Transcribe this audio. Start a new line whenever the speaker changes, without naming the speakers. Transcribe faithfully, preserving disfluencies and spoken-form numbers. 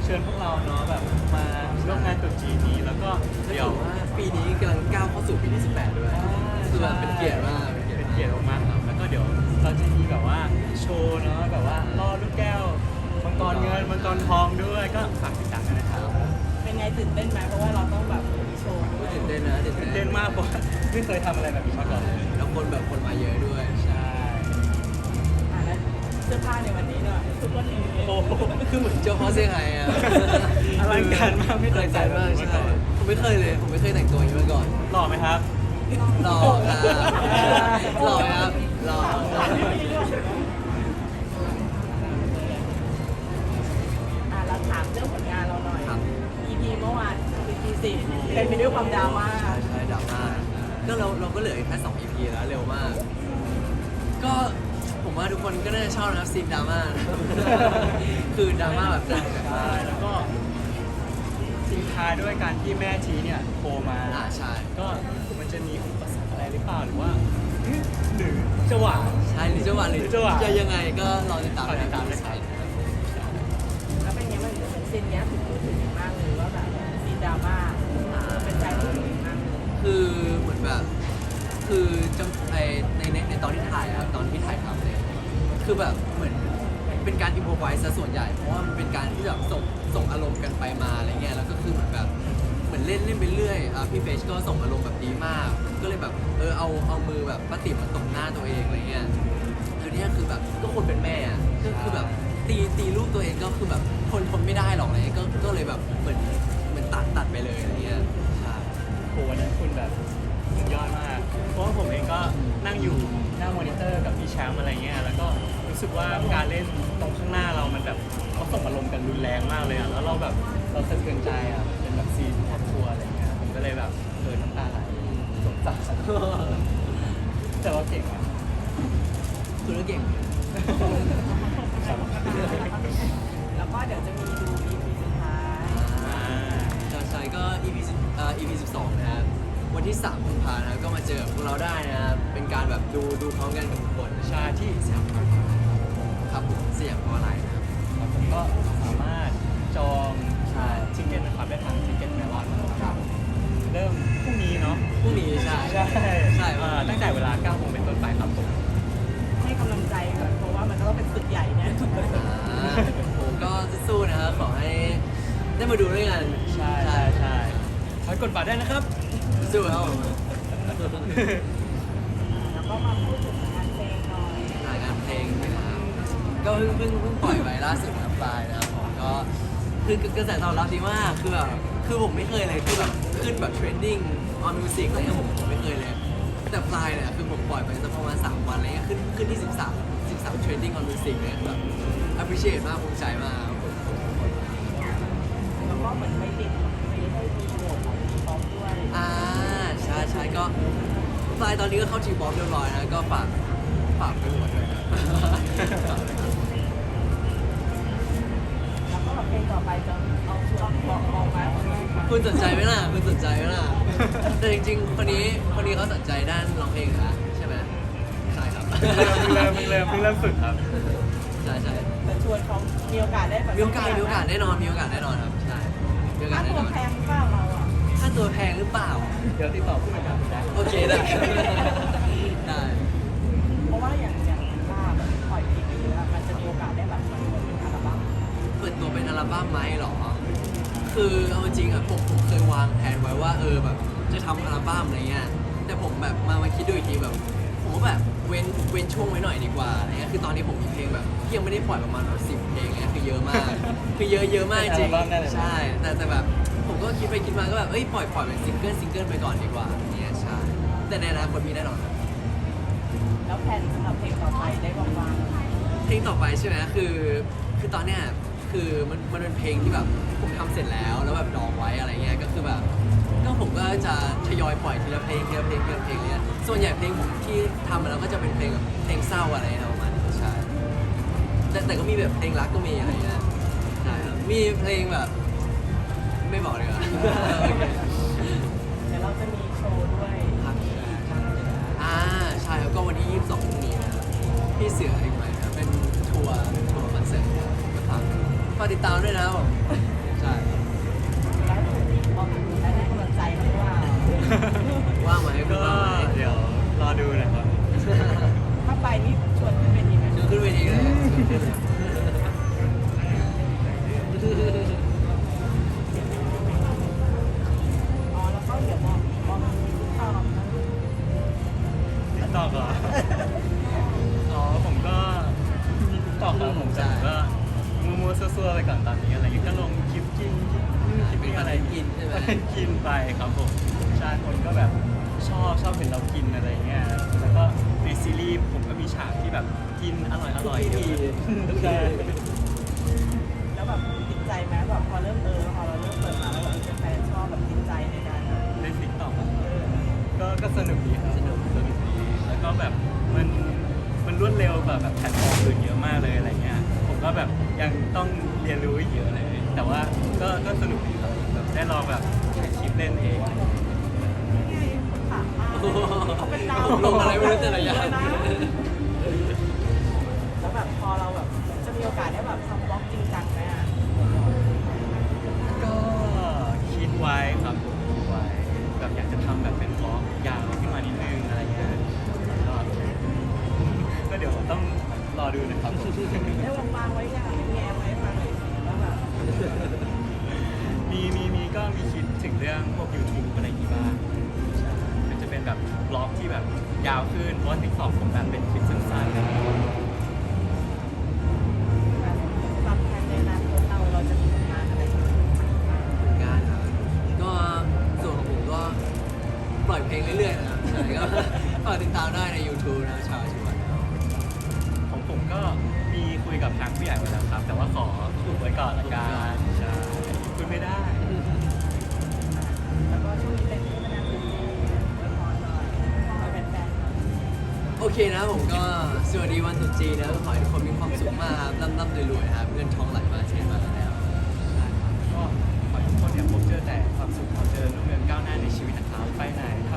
ชิญพวกเราเนาะแบบมาร่วมงานตรุ๊จีนนี้แล้วก็
เดี๋
เดี๋
ย
ยว ว
ว่าปีนี้กำลังก้าวเข้าสู่ปีที่สิบแปดด้วยคือแบบเป็นเกียรติมาก
เป็นเกียรติมากๆครับแล้วก็เดี๋ยวเราจะมีแบบว่าโชว์เนาะแบบว่าล่อลูกแก้วมังกรเงินมังกรทองด้วยก็ฝากติดตามกันนะครับ
เป็นไงตื่นเต้นไหมเพราะว่าเราต้องแบบมีโชว์ด้วย
ตื่นเต้นนะตื่น
ตื่น
เต้
เต้
น
นมากเพราะว่าไม่เคยทำอะไรแบบนี้มาก่อนเลย
แล้วคนแบบคนมาเยอะด้วย
ใช่
อ่ะแล้วเสื้อผ้าในวันนี้เนอะทุกคนเอง
โอ้โห
คือเหมือนเจ้าพ่อเซี่ยงไฮ้อะ
อลังการมากไม่
อ
เค
ลั
ย
ง
ใส่
การ
แบบ
มาก
นี้
ใช่
มาก่อน
ผมไม่เคยเลยผมไม่เคยแต่งตัวอย่างนี้มาก่อน
หล่อไหมครับ
หล่อครับหล่อครับหล่อ
อ่ะเราถามเรื่องผลงานเราหน่อย
ครับ
อี พี เมื่อวาน อี พี สิบเป็นไปด้วยความดราม่า
ใช่ใช่ดราม่าก็เราเราก็เหลืออีกแค่สอง อี พี แล้วเร็วมาก ก็ผมว่าทุกคนก็น่าจะชอบนะครับซีนดราม่า คือดราม่าแบบหนัก
ใช่แล้วก็ทิ้งท้ายด้วยการที่แม่ชีเนี่ยโทรมา
อ่าใช่
ก็มันจะมีอุปสรรคอะไรหรือเปล่าหรือว่าเอ๊ะหรือจะหวาน
ใช่หรือจะหวานหรือ
หรือจะหวาน
จะยังไงก็รอติดตาม
รอติดตาม
นะ
นะค
ค
รั
รับ บ
แล้วเป็นไงมันเหมือนซีนเนี้ยถูกพูดถึงมากเลยว่าแบบซีนดราม่าเป็นใจพูดถึงมากเลย
คือเหมือนแบบ คือจังไอในในในตอนที่ถ่ายอะครับตอนที่ถ่ายทำเนี่ยคือแบบเหมือนเป็นการอิมพอไวส์ซะส่วนใหญ่เพราะว่ามันเป็นการที่แบบส่งส่งอารมณ์กันไปมาอะไรเงี้ยแล้วก็คือเหมือนแบบเหมือนเล่นเล่นไปเรื่อยอ่ะพี่เฟชก็ส่งอารมณ์แบบดีมาก ก็เลยแบบเออเอาเอามือแบบป้าติ๋มมาตบหน้าตัวเองอะไรเงี้ยคือเนี่ยคือแบบก็คนเป็นแม่อะก็คือแบบตีตีลูกตัวเองก็คือแบบทนทนไม่ได้หรอกอะไรเงี้ยก็ก็เลยแบบเหมือนเหมือนตัดตัดไปเลยอะไรเงี้ยใช่
โหวันนั้นคุณแบบสุดยอดมาก เพราะว่าผมเองก็นั่งอยู่หน้ามอนิเตอร์กับพี่แชมป์อะไรเงี้ยแล้วก็รู้สึกว่าการเล่นตรงข้างหน้าเรามันแบบเขาส่งอารมณ์กันรุนแรงมากเลยอ่ะแล้วเราแบบเราสะเทือนใจอ่ะเป็นแบบซีนครอบครัวอะไรเงี้ยผมก็เลยแบบเออน้ำตาไหลสงสารแต่ว่าเก่งอ่ะ
คือเก่ง
แล้วก็เดี๋ยวจะมีดู อี พี สุดท้าย
อ่า
ใช่ใช่ก็ อี พี สิบเอ่อ อี พี สิบสองนะครับวันที่สามกุมภาพันธ์นะครับก็มาเจอกับพวกเราได้นะครับเป็นการแบบดูดูพร้อมกันกับทุกคน
ชาที่
สยามพารากอนครับผมสยามพารากอนนะครับ
ครับผมก็สามารถจอง
ใช่
ทิเก็ตนะครับได้ทางทิเก็ตเมลอนนะครับเริ่มพรุ่งนี้เนาะ
พรุ่งนี้ใช่
ใช่
ใช่
เอ่อตั้งแต่เวลาเก้าโมงเป็นต้นไปครับผม
ให้กำลังใจก่อนเพราะว่ามันก็ต้องเป็นศึกใหญ่เนี่ย
อ่าผมก็สู้ๆนะครับขอให้ได้มาดูด้วยกัน
ใช่ใช่ใช่ขอกดบัตรได้นะครับ
สู้ครับผม
แล้วก็มาพูดถึงงานเพลงหน่อย
รายงานเพลงนะครับก็เพิ่งเพิ่งเพิ่งปล่อยไปล่าสุดนะครับปลายนะครับผมก็คือกระแสตอบรับดีมากคือแบบคือผมไม่เคยเลยคือแบบขึ้นแบบเทรนดิ้งออนมิวสิกอะไรเงี้ยผมผมไม่เคยเลย แต่ปลายเนี่ยคือผมปล่อยไปสักประมาณสามวันอะไรเงี้ยขึ้นขึ้นที่สิบสาม สิบสามเทรนดิ้งออนมิวสิกเนี่ยแบบ appreciate มากภูมิใจมากครับผม
แล้วก็เหมือนไม่ติดไม่ได้มีโหวตของทีป๊อปด้วย
อ่าใช่ใช่ก็ปลายตอนนี้ก็เข้าทีบอมเรียบร้อยนะก็ฝากฝากไปหมดเลยครับ
แล้วก็เพลงต่อไปจะเอาชุดบอกออกมา
คุณสนใจไหมล่ะคุณสนใจไหมล่ะแต่จริงๆคนนี้คนนี้เขาสนใจด้านร้องเพลงนะใช่ไหมใช่ครับ
เริ่มเริ่มเริ่มเพิ่งเริ่มฝึกครับ
ใช่ใช่
แต่ชวนเขามีโอกาสได้แบบ
มีโอกาสมีโอกาสแน่นอนมีโอกาสแน่นอนครับใช่มีโอกา
ค่า
สแน่
ตั
น
ว
อน
แพงหรือเปล่าเราอ่ะ
ค่าตัวแพงหรือเปล่า
เดี๋ยวติดต่อผู้จัดการได้
โอเคได้ ได้
เพราะว่าอย่างอย่างภาพปล่อยเพลงไปเยอะมันจะมีโอกาสได้แบบมันเป็นอัลบั้ม
เปิดตัวเป็นอัลบั้มไหมเหรอ คือเอาจริงๆอะผมผมเคยวางแผนไว้ว่าเออแบบจะทำอัลบั้มอะไรเงี้ย แต่ผมแบบมามาคิดดูอีกทีแบบ ผมก็แบบเว้นเว้นช่วงไว้หน่อยดีกว่าอะไรเงี้ย คือตอนนี้ผมมีเพลงแบบที่ยังไม่ได้ปล่อยประมาณแบบสิบเพลงเงี้ยคือเยอะมาก คือเยอะเยอะมากจริง ใช่ แต่แต่แบบผมก็คิดไปคิดมาก็แบบเอ้ยปล่อยปล่อยเป็นซิงเกิลซิงเกิลไปก่อนดีกว่าเนี่ยใช่ แต่ในอนาคตมีแน่นอนครับ
แล้วแผนสำหรับเพลงต่อไปได้บอกว่า
เพลงต่อไปใช่ไหมคือ คือตอนเนี้ย คือมันมันเป็นเพลงที่แบบผมทำเสร็จแล้ว แล้วแบบดองไว้อะไรเงี้ย ก็คือแบบ ก็ผมก็จะทยอยปล่อยทีละเพลงทีละเพลงทีละเพลงเลยส่วนใหญ่เพลงผมที่ทำมาแล้วก็จะเป็นเพลงแบบเพลงเศร้าอะไรนะประมาณนี้ใช่ แต่แต่ก็มีแบบเพลงรักก็มีอะไรเงี้ยใช่ครับ มีเพลงแบบ ไม่บอกเลยอ่ะ
เดี๋ยวเราจะมีโชว์ด้วย
ครับอ่าใช่ครับก็วันที่ยี่สิบสองพรุ่งนี้นะครับพี่เสืออีกไหมครับเป็นทัวร์ทัวร์คอนเสิร์ตนะครับฝากติดตามด้วยนะครับผมใช่
แล้วมองถึงได้กำลังใจไหมว่า
ว่างไหมคุณ
ก็
ว่างไหม
เดี๋ยวรอดูนะครับ
ถ้าไปนี่ชวนขึ้นเวทีไหม
ชวนขึ้นเวทีเลย
อ๋อแล้วก็เดี๋ยวมองมองตอบนะ
ติ๊กตอกเหรอ อ๋อผมก็มีติ๊กตอกครับผมแต่ผมก็มัวๆซัวๆไปก่อนตอนนี้อะไรเงี้ยก็ลงคลิปกินคลิปนู่นคลิปนี่อะไร
กินใช่ไหม
กินไปครับผมใช่คนก็แบบชอบชอบเห็นเรากินอะไรเงี้ยแล้วก็ในซีรีส์ผมก็มีฉากที่แบบกินอร่อยอร่อยๆเยอะใช่
แล้วแบบติดใจไหมแบบพอเริ่มเออพอเราเริ่มเปิดมาแล้วแบบแฟนชอบแบบติดใจในการแบบ
ในติ๊กตอก
เออ
ก็ก็สนุกดีครับสนุกสนุกดีแล้วก็แบบมันมันรวดเร็วกว่าแบบแพลตฟอร์มอื่นเยอะมากเลยอะไรเงี้ยผมก็แบบยังต้องเรียนรู้อีกเยอะเลย แต่ว่าก็ก็สนุกดีครับแบบได้ลองแบบถ่ายคลิปเล่นเอง
นี่ไงคนถามมากเขาเป็นดาว
ลงอะไรไม่รู้แต่ละอย่าง
นะแล้วแบบพอเราแบบจะมีโอกาสได้แบบทำบล็อกจริงจังไหมอ่ะ
ก็คิดไว้ครับผมคิดไว้แบบอยากจะทำแบบเป็นบล็อกยาวขึ้นมานิดนึงอะไรเงี้ยก็ก็เดี๋ยวต้องรอดูนะครับผม
ได้วางๆไว้ยังแง้มไว้มาหน่อยสิว่าแบบ
มีมีมีก็มีคิดถึงเรื่องพวก YouTube อะไรอย่างงี้บ้างใช่มันจะเป็นแบบบล็อกที่แบบยาวขึ้นเพราะว่า TikTok ผมแบบเป็นคลิปสั้นๆ
ความแทนในอนาคตเราเราจะมีผลงานอะไรบ้าง
งานครับก็ส่วนของผมก็ปล่อยเพลงเรื่อยๆนะครับใช่ก็ฝากติดตามได้ใน YouTube นะชาวชิวันนะครับ
ของผมก็มีคุยกับทางผู้ใหญ่ไว้แล้วครับ แต่ว่าขออุบไว้ก่อนละกันใช่คุยไม่ได้
แล้วก็ช่วงนี้เป็นที่มานาคุณไว้พรหน่อยขอให้แฟนๆหน่อย
โอเคนะผมก็สวัสดีวันตรุษจีนนะขอให้ทุกคนมีความสุขมากครับร่ำร่ำรวยๆนะครับเงินทองไหลมาเทมาแล้วใช่ครับ
ก็ขอให้ทุกคนเนี่ยพบเจอแต่ความสุขขอเจอรุ่งเรืองก้าวหน้าในชีวิตนะครับไปไหนท